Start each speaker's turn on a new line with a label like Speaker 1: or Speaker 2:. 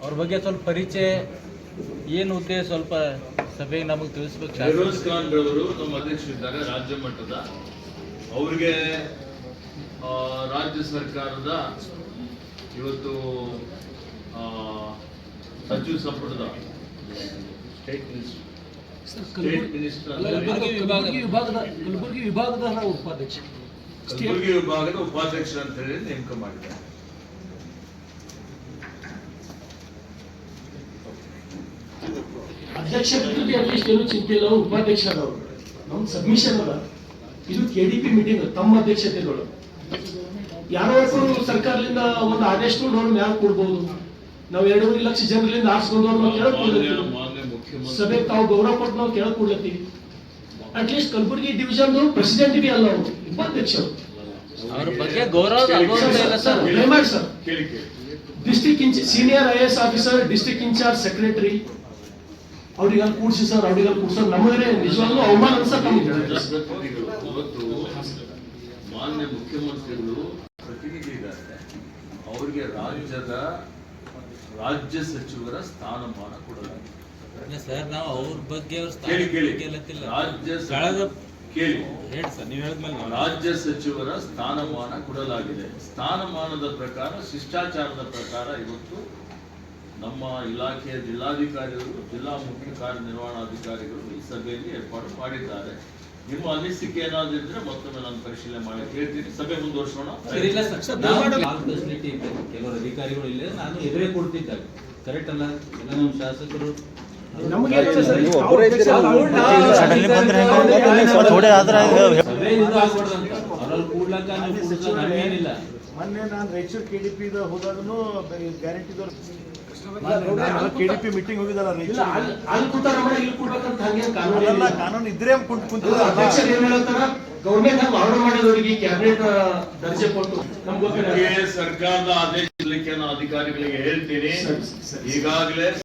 Speaker 1: ಅವ್ರ ಬಗ್ಗೆ ಸ್ವಲ್ಪ ಪರಿಚಯ ಏನು ಉದ್ದೇಶ ಸ್ವಲ್ಪ ಸಭೆಗೆ ನಮಗೆ ತಿಳಿಸ್ಬೇಕು.
Speaker 2: ಫಿರೋಜ್ ಖಾನ್ ರವರು ನಮ್ಮ ಅಧ್ಯಕ್ಷರಿದ್ದಾರೆ ರಾಜ್ಯ ಮಟ್ಟದ. ಅವ್ರಿಗೆ ರಾಜ್ಯ ಸರ್ಕಾರದ ಇವತ್ತು ಸಚಿವ ಸಂಪುಟದ ಸ್ಟೇಟ್ ಮಿನಿಸ್ಟರ್
Speaker 3: ಕಲಬುರಗಿ ವಿಭಾಗದ ಉಪಾಧ್ಯಕ್ಷ,
Speaker 2: ಕಲಬುರಗಿ ವಿಭಾಗದ ಉಪಾಧ್ಯಕ್ಷ ಅಂತ ಹೇಳಿ ನೇಮಕ ಮಾಡಿದ್ದಾರೆ.
Speaker 3: ಅಧ್ಯಕ್ಷ ಅಟ್ಲೀಸ್ಟ್ ಏನು ಚಿಂತೆ ಇಲ್ಲ, ಉಪಾಧ್ಯಕ್ಷ ಅದವರು. ನಮ್ ಸಬ್ಮಿಷನ್ ಅಲ್ಲ, ಇದು ಕೆಡಿಪಿ ಮೀಟಿಂಗ್ ತಮ್ಮ ಅಧ್ಯಕ್ಷತೆಗಳು. ಯಾರೋ ಸರ್ಕಾರದಿಂದ ಒಂದು ಆದೇಶ ಅವ್ರ ಮ್ಯಾಲ ಕೊಡ್ಬೋದು. ನಾವು 2.5 ಲಕ್ಷ ಜನರಿಂದ ಆರಿಸ್ಕೊಂಡವ್ರು ನಾವು ಕೇಳಕ್ ಸಭೆಗೆ ತಾವು ಗೌರವ ಕೊಟ್ಟು ನಾವು ಕೇಳಕ್ ಕೊಡ್ಲತ್ತೀವಿ. ಅಟ್ಲೀಸ್ಟ್ ಕಲಬುರಗಿ ಡಿವಿಷನ್ ಪ್ರೆಸಿಡೆಂಟ್ ಬಿ ಅಲ್ಲ, ಅವರು ಉಪಾಧ್ಯಕ್ಷರು.
Speaker 1: ಅವ್ರ ಬಗ್ಗೆ ಗೌರವ
Speaker 3: sir district senior IAS officer, district incharge secretary ಅವ್ರಿಗೆ ಅಲ್ಲಿ ಕೂಡ್ಸಿ ಸರ್, ಅವ್ರಿಗೆ ಅಲ್ಲಿ ಕೂಡ್ಸೋದು ನಮಗೆ ನಿಜವಾಗ್ಲೂ ಅವಮಾನ ಅನ್ಸಕ್ ನಮಗೆ.
Speaker 2: ಇವತ್ತು ಮಾನ್ಯ ಮುಖ್ಯಮಂತ್ರಿಗಳು ಪ್ರತಿನಿಧಿ ಇದ್ದಾರೆ, ಅವರಿಗೆ ರಾಜ್ಯ ಸಚಿವರ ಸ್ಥಾನಮಾನ ಕೊಡಲಾಗಿದೆ.
Speaker 1: ಸರ್ ನಾವು ಅವ್ರ ಬಗ್ಗೆ
Speaker 2: ರಾಜ್ಯ ಸಚಿವರ ಸ್ಥಾನಮಾನ ಕೊಡಲಾಗಿದೆ. ಸ್ಥಾನಮಾನದ ಪ್ರಕಾರ, ಶಿಷ್ಟಾಚಾರದ ಪ್ರಕಾರ ಇವತ್ತು ನಮ್ಮ ಇಲಾಖೆಯ ಜಿಲ್ಲಾಧಿಕಾರಿಗಳು, ಜಿಲ್ಲಾ ಮುಖ್ಯ ಕಾರ್ಯನಿರ್ವಹಣಾಧಿಕಾರಿಗಳು ಈ ಸಭೆಯಲ್ಲಿ ಏರ್ಪಾಡು ಮಾಡಿದ್ದಾರೆ. ನಿಮ್ಮ ಅನಿಸಿಕೆ ಏನಾದ್ರೂ ಇದ್ರೆ ಮತ್ತೊಮ್ಮೆ ನಾನು ಪರಿಶೀಲನೆ ಮಾಡಿ ಹೇಳ್ತೀನಿ. ಸಭೆ ಮುಂದುವರ್ಸೋಣ.
Speaker 1: ಫೆಸಿಲಿಟಿ ಇದೆ, ಕೆಲವರು ಅಧಿಕಾರಿಗಳು ಇಲ್ಲ, ನಾನು ಎದುರೇ ಕೊಡ್ತಿದ್ದಾಗ ಕರೆಕ್ಟ್ ಅಲ್ಲ. ಎಲ್ಲ ನಮ್ಮ ಶಾಸಕರು ಏನಿಲ್ಲ.
Speaker 4: ಮೊನ್ನೆ ನಾನು ರಾಯಚೂರು KDP ಹೋದಾಗನು ಗ್ಯಾರಂಟಿದವ್ರು KDP ಮೀಟಿಂಗ್ ಹೋಗಿದ್ದಲ್ಲ ಕಾನೂನು ಇದ್ರೆ
Speaker 3: ಗೌರ್ಮೆಂಟ್ ಆರ್ಡರ್ ಮಾಡಿದವರಿಗೆ ಕ್ಯಾಬಿನೆಟ್ ದರ್ಜೆ ಕೊಟ್ಟು
Speaker 2: ಸರ್ಕಾರದ ಆದೇಶ ಅಧಿಕಾರಿಗಳಿಗೆ ಹೇಳ್ತೀನಿ. ಈಗಾಗಲೇ